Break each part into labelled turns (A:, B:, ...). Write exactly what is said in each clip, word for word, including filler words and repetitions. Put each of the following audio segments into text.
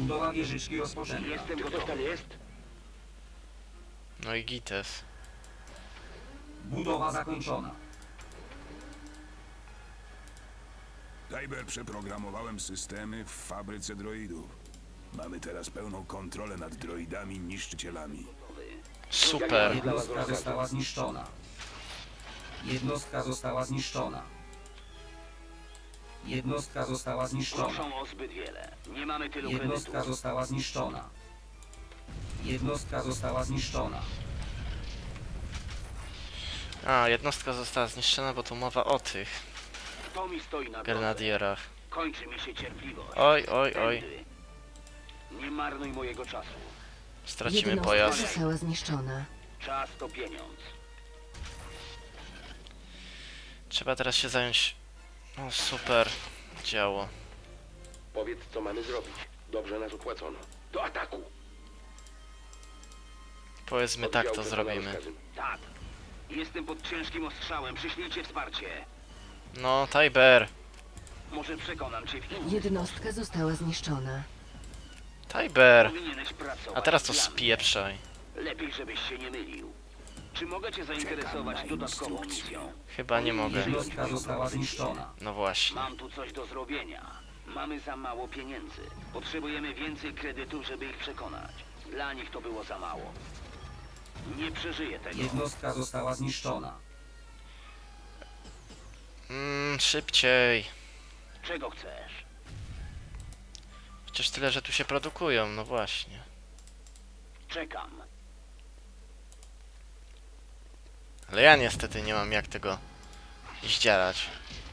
A: Budowa wieżyczki rozpoczęta.
B: Jestem gotowy. Tam jest?
C: No i gites.
A: Budowa zakończona.
D: Kyber, przeprogramowałem systemy w fabryce droidów. Mamy teraz pełną kontrolę nad droidami niszczycielami.
C: Super.
A: Jednostka została zniszczona. Jednostka została zniszczona. Jednostka została zniszczona.
B: Proszą o zbyt wiele. Nie mamy tylu
A: Jednostka
B: kredytów.
A: została zniszczona. Jednostka została zniszczona.
C: A, jednostka została zniszczona, bo tu mowa o tych
B: Kto mi stoi na drodze?
C: grenadierach.
B: Kończy mi się cierpliwość.
C: Oj, oj, oj.
B: Tędy. Nie marnuj mojego czasu.
C: Stracimy
E: Jednostka
C: pojazd.
E: została zniszczona.
B: Czas to pieniądz.
C: Trzeba teraz się zająć... O, super. Działo.
B: Powiedz, co mamy zrobić. Dobrze nas opłacono. Do ataku!
C: Powiedzmy tak to zrobimy.
B: Tak. Jestem pod ciężkim ostrzałem. Przyślijcie wsparcie.
C: No, Tajber.
B: Może przekonam cię w innym.
E: Jednostka została zniszczona.
C: Tajber.
B: Powinieneś pracować
C: A teraz to
B: dla mnie.
C: spieprzaj.
B: Lepiej, żebyś się nie mylił. Czy mogę cię zainteresować dodatkową misją?
C: Chyba nie mogę.
A: Jednostka została zniszczona.
C: No właśnie.
B: Mam tu coś do zrobienia. Mamy za mało pieniędzy. Potrzebujemy więcej kredytów, żeby ich przekonać. Dla nich to było za mało. Nie przeżyję tego.
A: Jednostka została zniszczona.
C: Mmm, szybciej.
B: Czego chcesz?
C: Chociaż tyle, że tu się produkują, no właśnie.
B: Czekam.
C: Ale ja niestety nie mam jak tego zdzierać.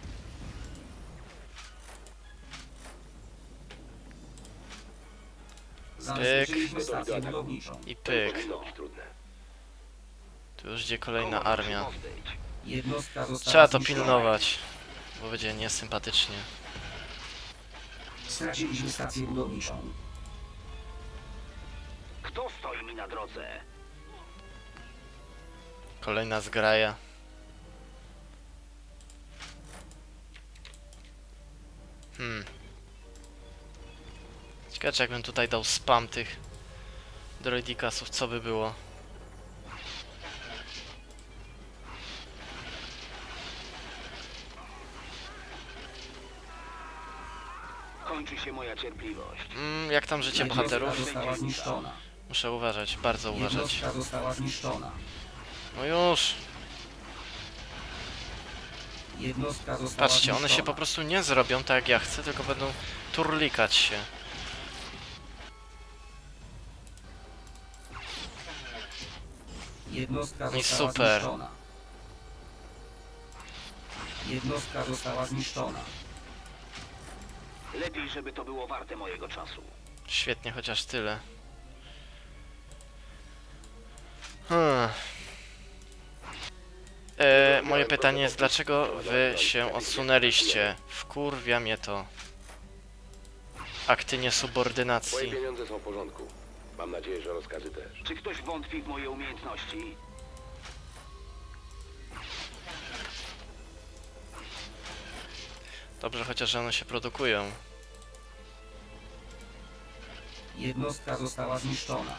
A: Zabezpieczyliśmy stację budowniczą.
C: I pyk.
B: Powinno być trudne.
C: Tu już idzie kolejna
B: Kogo
C: armia.
B: muszę pozbyć?
A: Jednostka została
C: Trzeba to
A: zniszczona.
C: pilnować, bo będzie niesympatycznie.
A: Straciliśmy stację budowniczą.
B: Kto stoi mi na drodze?
C: Kolejna zgraja. Hmm. Ciekawe, czy jakbym tutaj dał spam tych droidikasów, co by było?
B: Kończy się moja cierpliwość.
C: Mm, jak tam życie
A: Jednostka
C: bohaterów?
A: została zniszczona.
C: Muszę uważać, bardzo uważać.
A: Jednostka została zniszczona.
C: No już!
A: Jednostka została
C: Patrzcie, one się
A: zniszczona.
C: po prostu nie zrobią tak jak ja chcę, tylko będą turlikać się.
A: Jednostka
C: No i
A: została
C: super.
A: zniszczona. Jednostka została zniszczona.
B: Lepiej, żeby to było warte mojego czasu.
C: Świetnie, chociaż tyle. Hmm. E, moje pytanie jest, dlaczego wy się odsunęliście? Wkurwia mnie to. Akty
F: Moje
C: niesubordynacji.
F: pieniądze są w porządku. Mam nadzieję, że rozkazy też.
B: Czy ktoś wątpi w moje umiejętności?
C: Dobrze, chociaż że one się produkują.
A: Jednostka została zniszczona.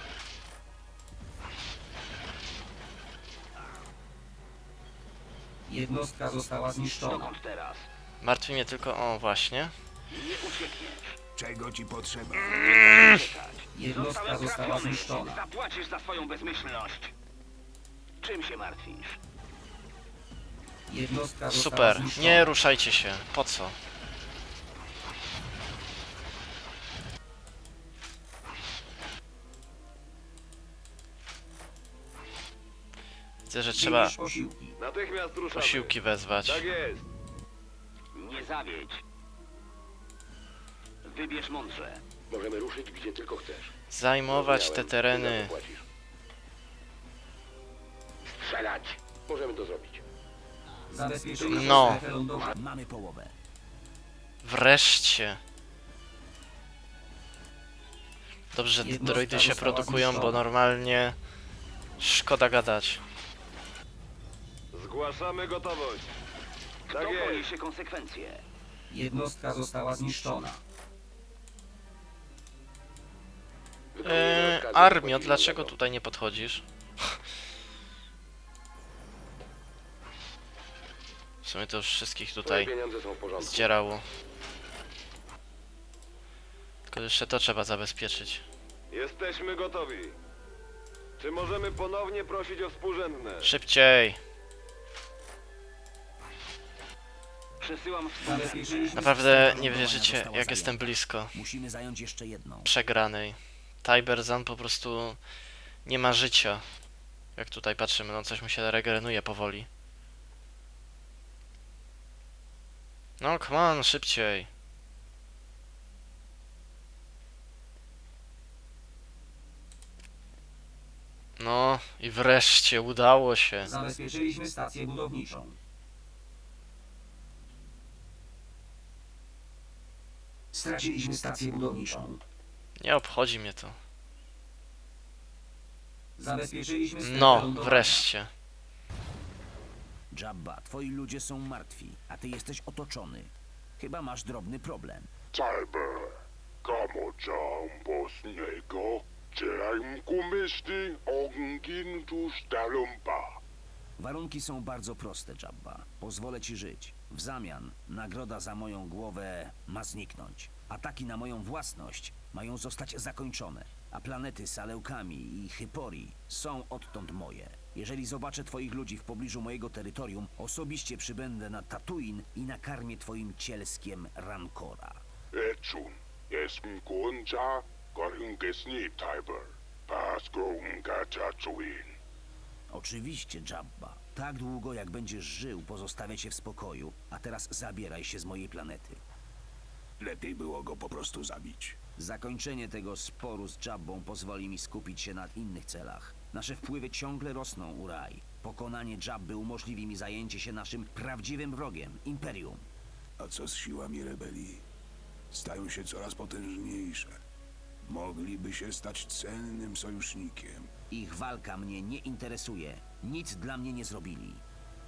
A: Jednostka została zniszczona.
B: Dokąd teraz?
C: Martwi mnie tylko... O, właśnie.
B: Nie uciekniesz.
D: Czego ci potrzeba?
B: Czekać.
A: Jednostka
B: Zostałem
A: została
B: trafiony.
A: zniszczona.
B: Zapłacisz za swoją bezmyślność. Czym się martwisz?
A: Jednostka została
C: Super.
A: zniszczona.
C: Nie ruszajcie się. Po co? Widzę, że trzeba
A: Przyjmiesz posiłki.
F: Natychmiast ruszamy.
C: posiłki wezwać.
F: Tak jest.
B: Nie zawiedź. Wybierz mądrze.
F: Możemy ruszyć gdzie tylko chcesz.
C: Zajmować te
F: Zrozumiałem.
C: tereny.
F: Ty za to płacisz.
B: Strzelać.
F: Możemy to zrobić.
A: Zabezpieczyliśmy
C: No.
A: strefę lądową. Mamy połowę.
C: Wreszcie. Dobrze, że te
A: Jednostka
C: droidy się
A: została
C: produkują, bo
A: zniszczona.
C: normalnie szkoda gadać.
F: Zgłaszamy gotowość.
B: Kto
F: Tak jest.
B: poniesie konsekwencje?
A: Jednostka została zniszczona.
F: Wykonujemy
C: Eee,
F: rozkazy
C: Armio,
F: wchodzimy
C: dlaczego
F: do
C: tutaj nie podchodzisz? W sumie to już wszystkich
F: Twoje
C: tutaj
F: pieniądze są w porządku.
C: zdzierało. Tylko jeszcze to trzeba zabezpieczyć.
F: Jesteśmy gotowi. Czy możemy ponownie prosić o współrzędne?
C: Szybciej!
B: Przesyłam w
A: Zabezpieczyliśmy
C: Naprawdę
A: system
C: nie
A: lądowania
C: wierzycie,
A: została
C: jak
A: zajęta.
C: jestem blisko
A: Musimy zająć jeszcze jedną.
C: przegranej. Tiberzan po prostu nie ma życia. Jak tutaj patrzymy, no coś mu się regeneruje powoli. No, come on, szybciej. No i wreszcie udało się.
A: Zabezpieczyliśmy stację budowniczą. Straciliśmy stację budowniczą.
C: Nie obchodzi mnie to.
A: Zabezpieczyliśmy strefę
C: No,
A: lądowania.
C: wreszcie.
A: Jabba, twoi ludzie są martwi, a ty jesteś otoczony. Chyba masz drobny problem.
G: Tiber, Kamojam Bosniego, Czeraim Kumyśli, Ogin Tusztalumpa.
A: Warunki są bardzo proste, Jabba. Pozwolę ci żyć. W zamian nagroda za moją głowę ma zniknąć. Ataki na moją własność mają zostać zakończone, a planety z Aleukami i Hypori są odtąd moje. Jeżeli zobaczę twoich ludzi w pobliżu mojego terytorium, osobiście przybędę na Tatooine i nakarmię twoim cielskiem Rancora.
G: Eczun, jestem Kunca, Koryngesni Tiber, Pasko Unga Tatooine.
A: Oczywiście, Jabba. Tak długo, jak będziesz żył, pozostawię cię w spokoju, a teraz zabieraj się z mojej planety.
D: Lepiej było go po prostu zabić.
A: Zakończenie tego sporu z Jabbą pozwoli mi skupić się na innych celach. Nasze wpływy ciągle rosną, Uraj. Pokonanie Jabby umożliwi mi zajęcie się naszym prawdziwym wrogiem, Imperium.
D: A co z siłami rebelii? Stają się coraz potężniejsze. Mogliby się stać cennym sojusznikiem.
A: Ich walka mnie nie interesuje. Nic dla mnie nie zrobili.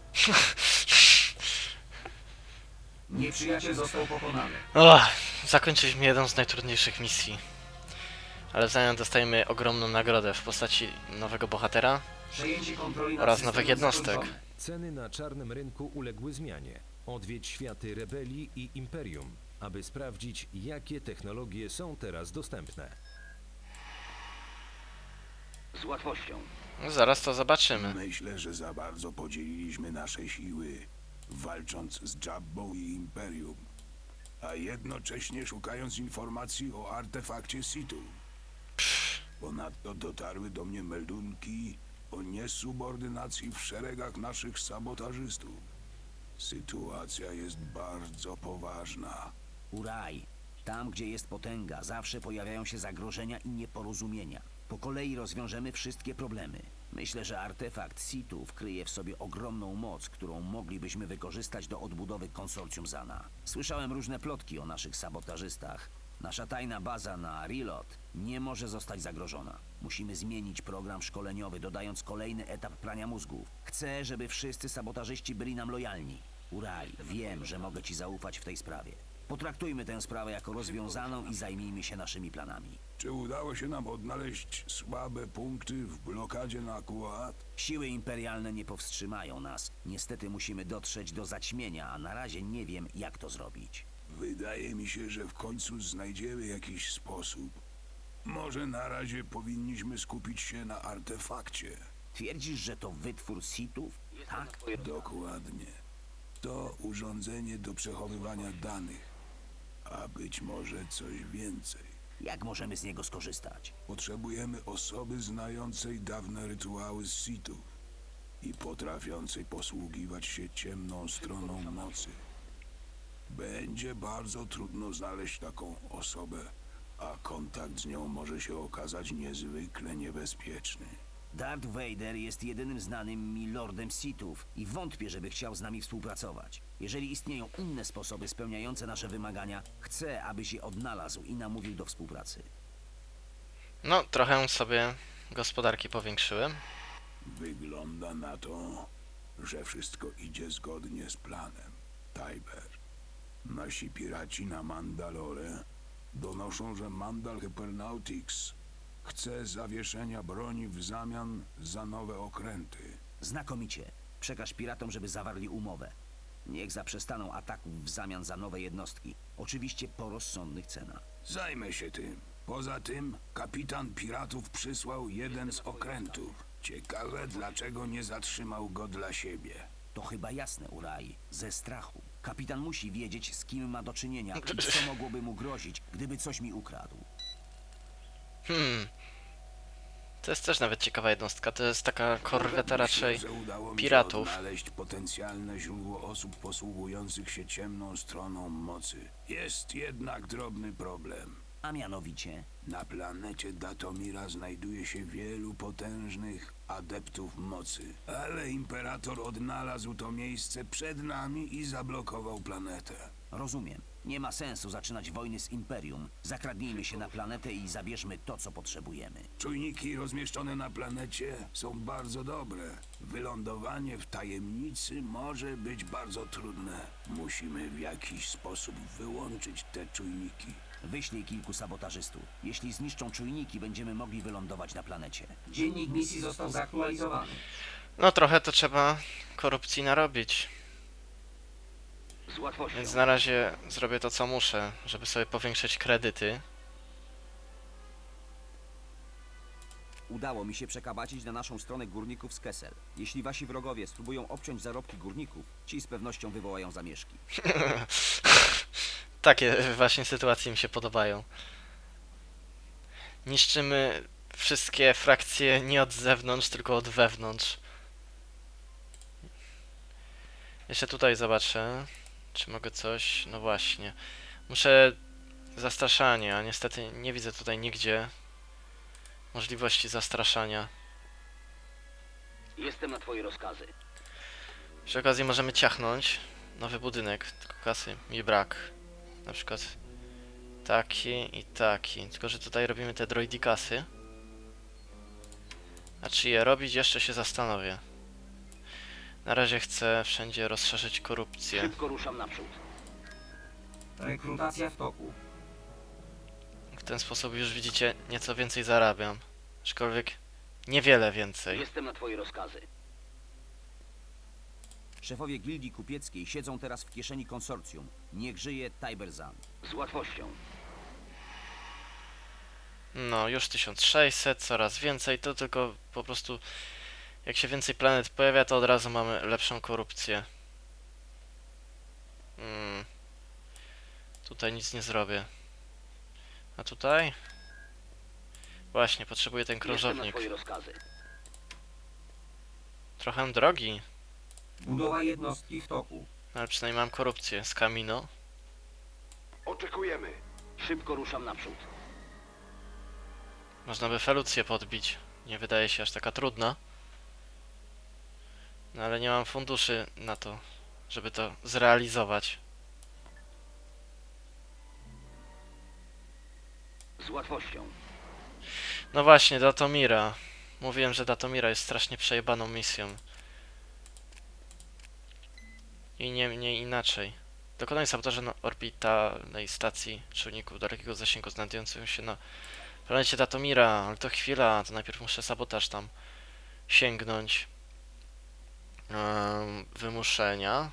A: Nieprzyjaciel został pokonany.
C: Och, zakończyliśmy jedną z najtrudniejszych misji. Ale w zamian dostajemy ogromną nagrodę w postaci nowego bohatera
A: Przejęcie kontroli nad
C: oraz
A: systemem
C: nowych jednostek.
A: zakończone.
H: Ceny na czarnym rynku uległy zmianie. Odwiedź światy rebelii i imperium, aby sprawdzić, jakie technologie są teraz dostępne.
B: Z łatwością.
C: No, zaraz to zobaczymy.
D: Myślę, że za bardzo podzieliliśmy nasze siły, walcząc z Jabbą i Imperium, a jednocześnie szukając informacji o artefakcie Situ. Ponadto dotarły do mnie meldunki o niesubordynacji w szeregach naszych sabotażystów. Sytuacja jest bardzo poważna.
A: Uraj, tam gdzie jest potęga, zawsze pojawiają się zagrożenia i nieporozumienia. Po kolei rozwiążemy wszystkie problemy. Myślę, że artefakt Sithów kryje w sobie ogromną moc, którą moglibyśmy wykorzystać do odbudowy konsorcjum Zana. Słyszałem różne plotki o naszych sabotażystach. Nasza tajna baza na Rilot nie może zostać zagrożona. Musimy zmienić program szkoleniowy, dodając kolejny etap prania mózgów. Chcę, żeby wszyscy sabotażyści byli nam lojalni. Uraj, wiem, że mogę ci zaufać w tej sprawie. Potraktujmy tę sprawę jako rozwiązaną i zajmijmy się naszymi planami.
D: Czy udało się nam odnaleźć słabe punkty w blokadzie na Kuat?
A: Siły imperialne nie powstrzymają nas. Niestety musimy dotrzeć do zaćmienia, a na razie nie wiem, jak to zrobić.
D: Wydaje mi się, że w końcu znajdziemy jakiś sposób. Może na razie powinniśmy skupić się na artefakcie.
A: Twierdzisz, że to wytwór Sithów? Tak?
D: Dokładnie. To urządzenie do przechowywania danych, a być może coś więcej.
A: Jak możemy z niego skorzystać?
D: Potrzebujemy osoby znającej dawne rytuały z Sithów i potrafiącej posługiwać się ciemną stroną mocy. Będzie bardzo trudno znaleźć taką osobę, a kontakt z nią może się okazać niezwykle niebezpieczny.
A: Darth Vader jest jedynym znanym mi lordem Sithów i wątpię, żeby chciał z nami współpracować. Jeżeli istnieją inne sposoby spełniające nasze wymagania, chcę, abyś je odnalazł i namówił do współpracy.
C: No, trochę sobie gospodarki powiększyłem.
D: Wygląda na to, że wszystko idzie zgodnie z planem. Tiber. Nasi piraci na Mandalore donoszą, że Mandal Hypernautics Chcę zawieszenia broni w zamian za nowe okręty.
A: Znakomicie. Przekaż piratom, żeby zawarli umowę. Niech zaprzestaną ataków w zamian za nowe jednostki. Oczywiście po rozsądnych cenach.
D: Zajmę się tym. Poza tym kapitan piratów przysłał jeden z okrętów. Ciekawe, dlaczego nie zatrzymał go dla siebie.
A: To chyba jasne, Urai. Ze strachu. Kapitan musi wiedzieć, z kim ma do czynienia i co mogłoby mu grozić, gdyby coś mi ukradł.
C: Hmm. To jest też nawet ciekawa jednostka. To jest taka korweta raczej
D: Myślę, że udało mi się
C: piratów.
D: odnaleźć potencjalne źródło osób posługujących się ciemną stroną mocy. Jest jednak drobny problem.
A: A mianowicie,
D: Na planecie Datomira znajduje się wielu potężnych adeptów mocy, ale Imperator odnalazł to miejsce przed nami i zablokował planetę.
A: rozumiem. Nie ma sensu zaczynać wojny z Imperium. Zakradnijmy się na planetę i zabierzmy to, co potrzebujemy.
D: Czujniki rozmieszczone na planecie są bardzo dobre. Wylądowanie w tajemnicy może być bardzo trudne. Musimy w jakiś sposób wyłączyć te czujniki.
A: Wyślij kilku sabotażystów. Jeśli zniszczą czujniki, będziemy mogli wylądować na planecie. Dziennik misji został zaktualizowany.
C: No trochę to trzeba korupcji narobić.
B: Z łatwością.
C: Więc na razie zrobię to, co muszę, żeby sobie powiększyć kredyty.
I: Udało mi się przekabacić na naszą stronę górników z Kessel. Jeśli wasi wrogowie spróbują obciąć zarobki górników, ci z pewnością wywołają zamieszki.
C: Takie właśnie sytuacje mi się podobają. Niszczymy wszystkie frakcje nie od zewnątrz, tylko od wewnątrz. Jeszcze tutaj zobaczę, czy mogę coś... No właśnie. Muszę zastraszanie, a niestety nie widzę tutaj nigdzie możliwości zastraszania.
B: Jestem na twoje rozkazy.
C: Przy okazji możemy ciachnąć nowy budynek, tylko kasy mi brak. Na przykład taki i taki. Tylko że tutaj robimy te droidikasy. A czy je robić, jeszcze się zastanowię. Na razie chcę wszędzie rozszerzyć korupcję.
B: Szybko ruszam naprzód.
I: Rekrutacja w toku.
C: W ten sposób już widzicie, nieco więcej zarabiam. Aczkolwiek niewiele więcej.
B: Jestem na twoje rozkazy.
I: Szefowie gildii kupieckiej siedzą teraz w kieszeni konsorcjum. Niech żyje Tiberzan.
B: Z łatwością.
C: No, już tysiąc sześćset, coraz więcej. To tylko po prostu jak się więcej planet pojawia, to od razu mamy lepszą korupcję. Hmm. Tutaj nic nie zrobię. A tutaj? Właśnie, potrzebuję ten
B: Jestem na
C: krążownik.
B: twoje rozkazy.
C: Trochę drogi,
I: Budowa jednostki w toku.
C: ale przynajmniej mam korupcję z Kamino.
F: Oczekujemy.
B: Szybko ruszam naprzód.
C: Można by Felucję podbić. Nie wydaje się aż taka trudna. No ale nie mam funduszy na to, żeby to zrealizować.
B: Z łatwością.
C: No właśnie, Datomira. Mówiłem, że Datomira jest strasznie przejebaną misją. I nie, nie inaczej. Dokonaj sabotażu na orbitalnej stacji czujników dalekiego zasięgu znajdującą się na planecie Datomira. Ale to chwila, to najpierw muszę sabotaż tam sięgnąć. Um, wymuszenia.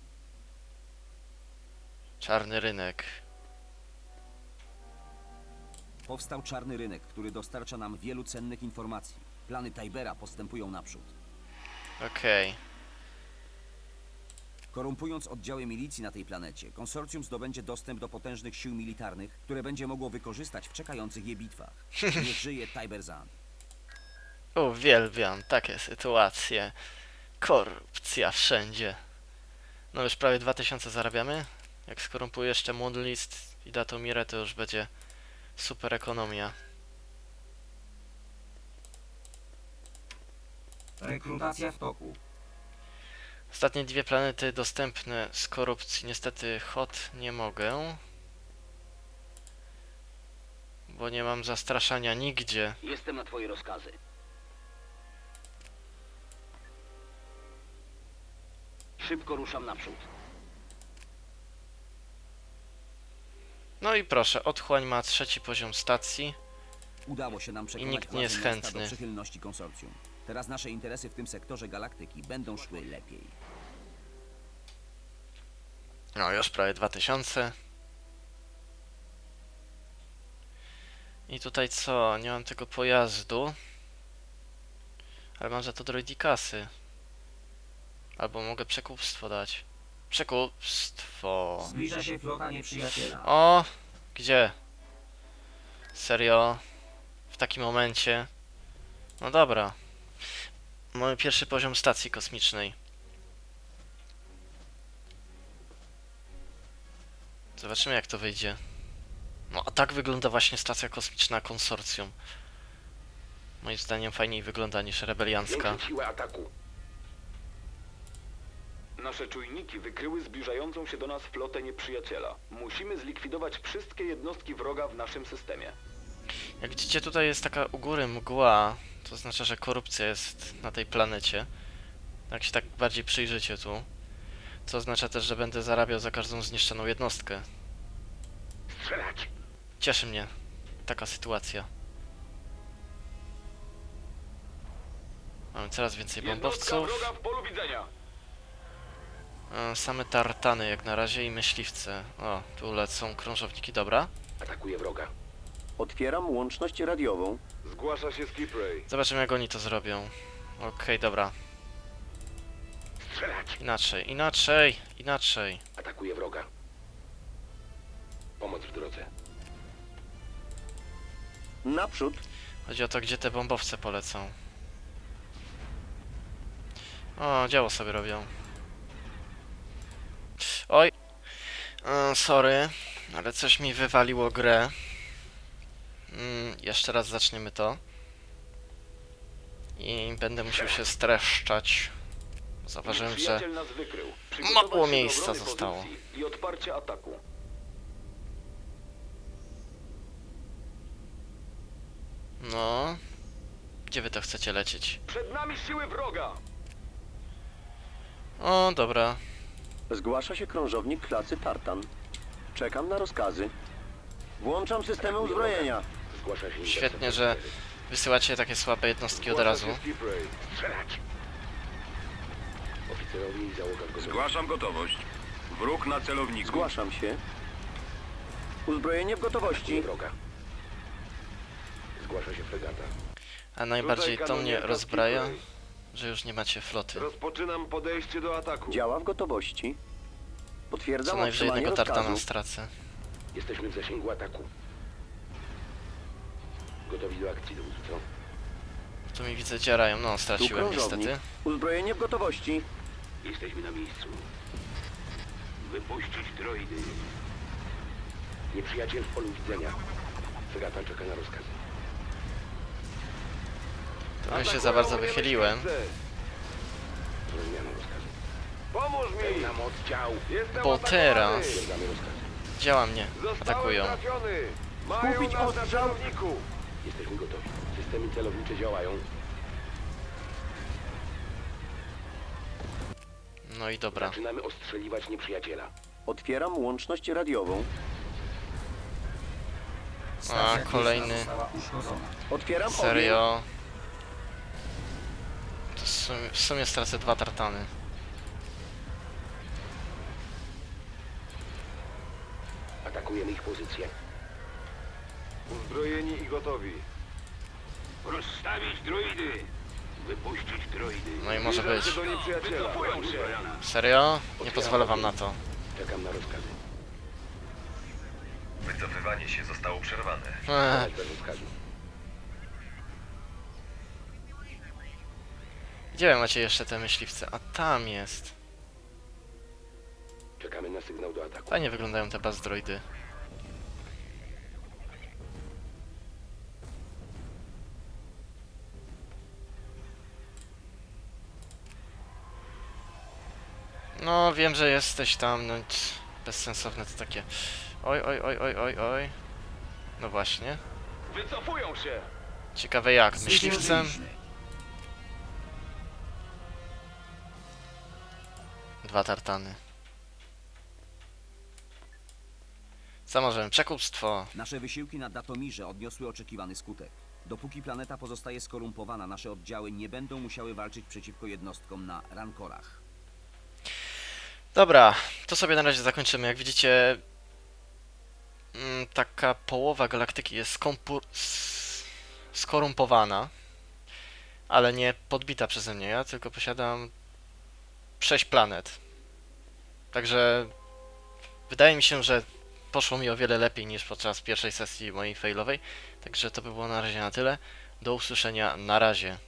C: Czarny rynek.
I: Powstał czarny rynek, który dostarcza nam wielu cennych informacji. Plany Tibera postępują naprzód.
C: Okej.
I: Korumpując oddziały milicji na tej planecie, konsorcjum zdobędzie dostęp do potężnych sił militarnych, które będzie mogło wykorzystać w czekających je bitwach. Niech żyje Tiberzan.
C: Uwielbiam takie sytuacje. Korupcja wszędzie. No już prawie dwa tysiące zarabiamy. Jak skorumpuję jeszcze Moonlist i Datomirę, to już będzie super ekonomia.
I: Rekrutacja w toku.
C: Ostatnie dwie planety dostępne z korupcji. Niestety Hot nie mogę. Bo nie mam zastraszania nigdzie.
B: Jestem na twoje rozkazy. Szybko ruszam naprzód.
C: No i proszę, otchłań ma trzeci poziom stacji.
I: Udało się nam przekonać
C: nikt nie jest
I: władze miasta
C: chętny.
I: do przychylności konsorcjum. Teraz nasze interesy w tym sektorze galaktyki będą szły lepiej.
C: No już prawie dwa tysiące. I tutaj co? Nie mam tego pojazdu. Ale mam za to droidikasy. Albo mogę przekupstwo dać. Przekupstwo.
A: Zbliża się flota nieprzyjaciela.
C: O! Gdzie? Serio? W takim momencie? No dobra. Mamy pierwszy poziom stacji kosmicznej. Zobaczymy jak to wyjdzie. No a tak wygląda właśnie stacja kosmiczna konsorcjum. Moim zdaniem fajniej wygląda niż rebeliancka.
B: Większe siły ataku.
F: Nasze czujniki wykryły zbliżającą się do nas flotę nieprzyjaciela. Musimy zlikwidować wszystkie jednostki wroga w naszym systemie.
C: Jak widzicie, tutaj jest taka u góry mgła, to oznacza, że korupcja jest na tej planecie. Jak się tak bardziej przyjrzycie tu, co oznacza też, że będę zarabiał za każdą zniszczoną jednostkę.
B: Strzelać!
C: Cieszy mnie taka sytuacja. Mamy coraz więcej
F: Jednostka
C: bombowców.
F: wroga w polu widzenia.
C: E, Same tartany jak na razie i myśliwce. O, tu lecą krążowniki, dobra.
B: Atakuje wroga.
J: Otwieram łączność radiową.
F: Zgłasza się Skipray.
C: Zobaczymy jak oni to zrobią. Okej, dobra.
B: Strzelać!
C: Inaczej, inaczej, inaczej.
B: Atakuje wroga. Pomoc w drodze.
J: Naprzód.
C: Chodzi o to, gdzie te bombowce polecą. O, działo sobie robią. Oj. E, sorry, ale coś mi wywaliło grę. Mm, jeszcze raz zaczniemy to. I będę musiał się streszczać. Zauważyłem, że
F: Nieprzyjaciel nas wykrył. Przygotować
C: mało
F: się do
C: miejsca
F: obrony
C: zostało.
F: pozycji I odparcie ataku.
C: No. Gdzie wy to chcecie lecieć?
F: Przed nami siły wroga!
C: O, dobra.
J: Zgłasza się krążownik klasy Tartan. Czekam na rozkazy. Włączam systemy uzbrojenia.
B: Zgłasza się
C: Świetnie, że wysyłacie takie słabe jednostki od
F: Zgłasza
C: razu.
F: się Skipray.
B: Strzelać! Oficerowie i załoga gotowi.
D: Zgłaszam gotowość. Wróg na celowniku.
J: Zgłaszam się. Uzbrojenie w gotowości.
B: Atakuje wroga. Zgłasza się fregata.
C: A najbardziej
F: Tutaj
C: to mnie
F: kanonierka
C: rozbraja,
F: Skipray.
C: że już nie macie floty.
F: Rozpoczynam podejście do ataku.
J: Działa w gotowości.
C: Co
J: Potwierdzam
C: najwyżej
J: otrzymanie
C: jednego tartana
J: rozkazu.
C: stracę.
B: Jesteśmy w zasięgu ataku. Gotowi do akcji, dowódco.
C: Tu mi widzę dziarają, no
J: Tu
C: straciłem
J: krążownik.
C: niestety.
J: Uzbrojenie w gotowości.
B: Jesteśmy na miejscu. Wypuścić droidy. Nieprzyjaciel w polu widzenia. Fregata czeka na rozkazy.
C: Trochę się za bardzo
F: Atakują
C: wychyliłem.
F: myśliwce.
B: Zrozumiano rozkazy.
F: Pomóż mi!
B: Pełna moc dział.
F: Jestem
C: Bo
F: atakowany!
C: teraz
B: Stwierdzamy rozkazy.
C: działa mnie,
F: Zostałem
C: atakują.
F: trafiony! Mają
J: Skupić
F: nas na
J: ostrzał.
F: celowniku!
B: Jesteśmy gotowi. Systemy celownicze działają.
C: No i dobra.
B: Zaczynamy ostrzeliwać nieprzyjaciela.
J: Otwieram łączność radiową.
C: A, kolejny.
A: Została uszkodzona.
J: Otwieram ogień.
C: Serio. To w sumie, w sumie stracę dwa tartany.
B: Atakujemy ich pozycję.
F: Uzbrojeni i gotowi.
B: Rozstawić droidy! Wypuścić droidy.
C: No i może
F: Zbliżam
C: być.
F: się do nieprzyjaciela.
C: Serio? Nie pozwolę wam na to.
B: Czekam na rozkazy.
K: Wycofywanie się zostało przerwane.
C: Ech,
B: Strzelać bez rozkazu.
C: gdzie wy macie jeszcze te myśliwce? A tam jest.
B: Czekamy na sygnał do ataku.
C: Fajnie wyglądają te bazdroidy. No, wiem, że jesteś tam, no ć, bezsensowne to takie. Oj, oj, oj, oj, oj, oj. No właśnie.
F: Wycofują się!
C: Ciekawe jak, myśliwcem?
A: Zdążyliśmy.
C: Dwa tartany. Co możemy? Przekupstwo.
I: Nasze wysiłki na Datomirze odniosły oczekiwany skutek. Dopóki planeta pozostaje skorumpowana, nasze oddziały nie będą musiały walczyć przeciwko jednostkom na rankorach.
C: Dobra, to sobie na razie zakończymy. Jak widzicie, mm, taka połowa galaktyki jest skompur- s- skorumpowana, ale nie podbita przeze mnie. Ja tylko posiadam sześć planet. Także wydaje mi się, że poszło mi o wiele lepiej niż podczas pierwszej sesji mojej failowej. Także to by było na razie na tyle. Do usłyszenia, na razie.